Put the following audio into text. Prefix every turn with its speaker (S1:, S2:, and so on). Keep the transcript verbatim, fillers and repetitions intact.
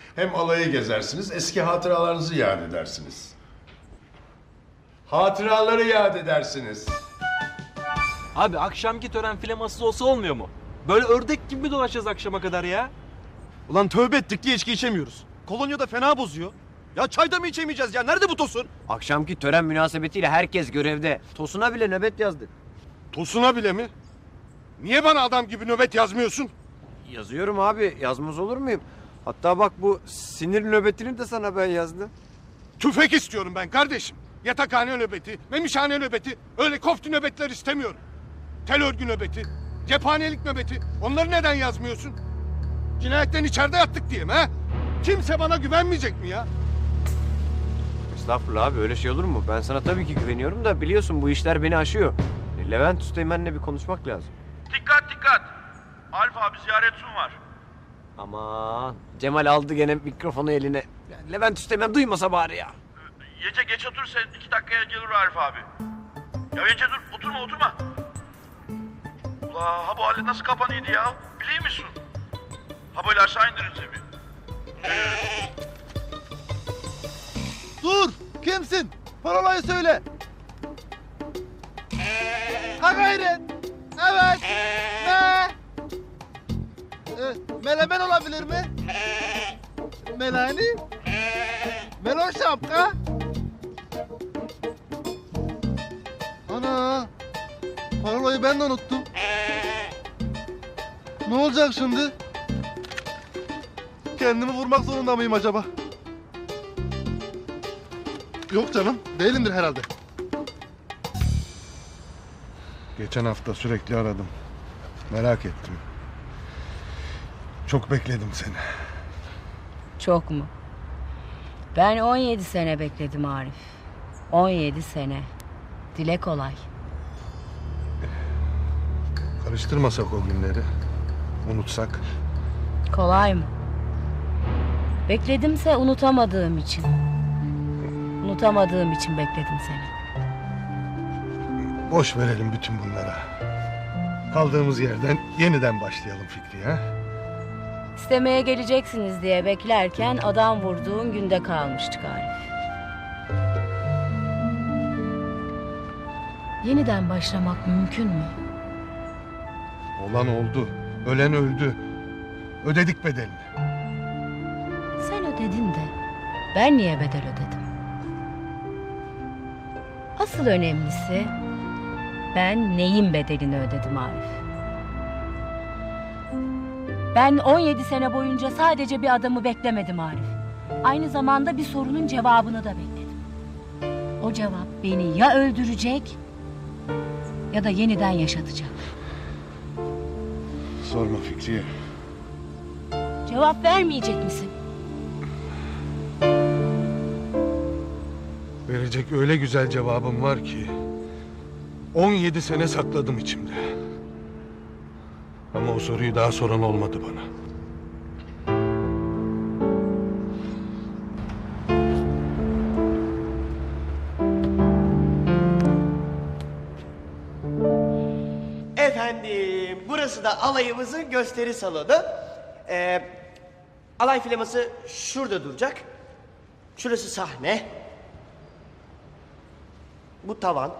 S1: Hem alayı gezersiniz, eski hatıralarınızı yad edersiniz. Hatıraları yad edersiniz.
S2: Abi akşamki tören flamasız olsa olmuyor mu? Böyle ördek gibi mi dolaşacağız akşama kadar ya?
S3: Ulan tövbe ettik diye içki içemiyoruz. Kolonya da fena bozuyor. Ya çayda mı içemeyeceğiz ya? Nerede bu Tosun?
S4: Akşamki tören münasebetiyle herkes görevde. Tosun'a bile nöbet yazdı.
S5: Tosun'a bile mi? Niye bana adam gibi nöbet yazmıyorsun?
S4: Yazıyorum abi. Yazmaz olur muyum? Hatta bak bu sinir nöbetini de sana ben yazdım.
S5: Tüfek istiyorum ben kardeşim. Yatakhane nöbeti, memişhane nöbeti, öyle kofti nöbetler istemiyorum. Tel örgü nöbeti, cephanelik nöbeti. Onları neden yazmıyorsun? Cinayetten içeride yattık diye mi ha? Kimse bana güvenmeyecek mi ya?
S4: Estağfurullah abi, öyle şey olur mu? Ben sana tabii ki güveniyorum da biliyorsun bu işler beni aşıyor. Levent Üsteğmen'le bir konuşmak lazım.
S6: Dikkat dikkat. Alfa abi ziyaretçim var.
S4: Aman Cemal aldı gene mikrofonu eline. Ya Levent Üsteğmen duymasa bari ya.
S6: Yece geç otur sen iki dakikaya gelir Arif abi. Ya Yece dur oturma oturma. Ula ha bu alet nasıl kapanıydı ya? Biliyor musun? Ha böyle aşağı indirin bir.
S3: Dur! Kimsin? Parolayı söyle. Ha gayret. Evet. Ne? Ee, melemen olabilir mi? Melani? Melon şapka? Ana! Parolayı ben de unuttum. Ne olacak şimdi? Kendimi vurmak zorunda mıyım acaba? Yok canım, değilimdir herhalde.
S5: Geçen hafta sürekli aradım. Merak ettim. Çok bekledim seni.
S7: Çok mu? Ben on yedi sene bekledim Arif. on yedi sene. Dile kolay.
S5: Karıştırmasak o günleri. Unutsak.
S7: Kolay mı? Bekledimse unutamadığım için. Unutamadığım için bekledim seni.
S5: Boş verelim bütün bunlara. Kaldığımız yerden yeniden başlayalım Fikri ha?
S7: İstemeye geleceksiniz diye beklerken adam vurduğun günde kalmıştık Arif. Yeniden başlamak mümkün mü?
S5: Olan oldu. Ölen öldü. Ödedik bedelini.
S7: Sen ödedin de ben niye bedel ödedim? Asıl önemlisi ben neyin bedelini ödedim Arif? Ben on yedi sene boyunca sadece bir adamı beklemedim Arif. Aynı zamanda bir sorunun cevabını da bekledim. O cevap beni ya öldürecek ya da yeniden yaşatacak.
S5: Sorma Fikriye.
S7: Cevap vermeyecek misin?
S5: Verecek öyle güzel cevabım var ki on yedi sene sakladım içimde. Ama o soruyu daha soran olmadı bana.
S8: Efendim, burası da alayımızın gösteri salonu. Ee, alay flaması şurada duracak. Şurası sahne. Bu tavan.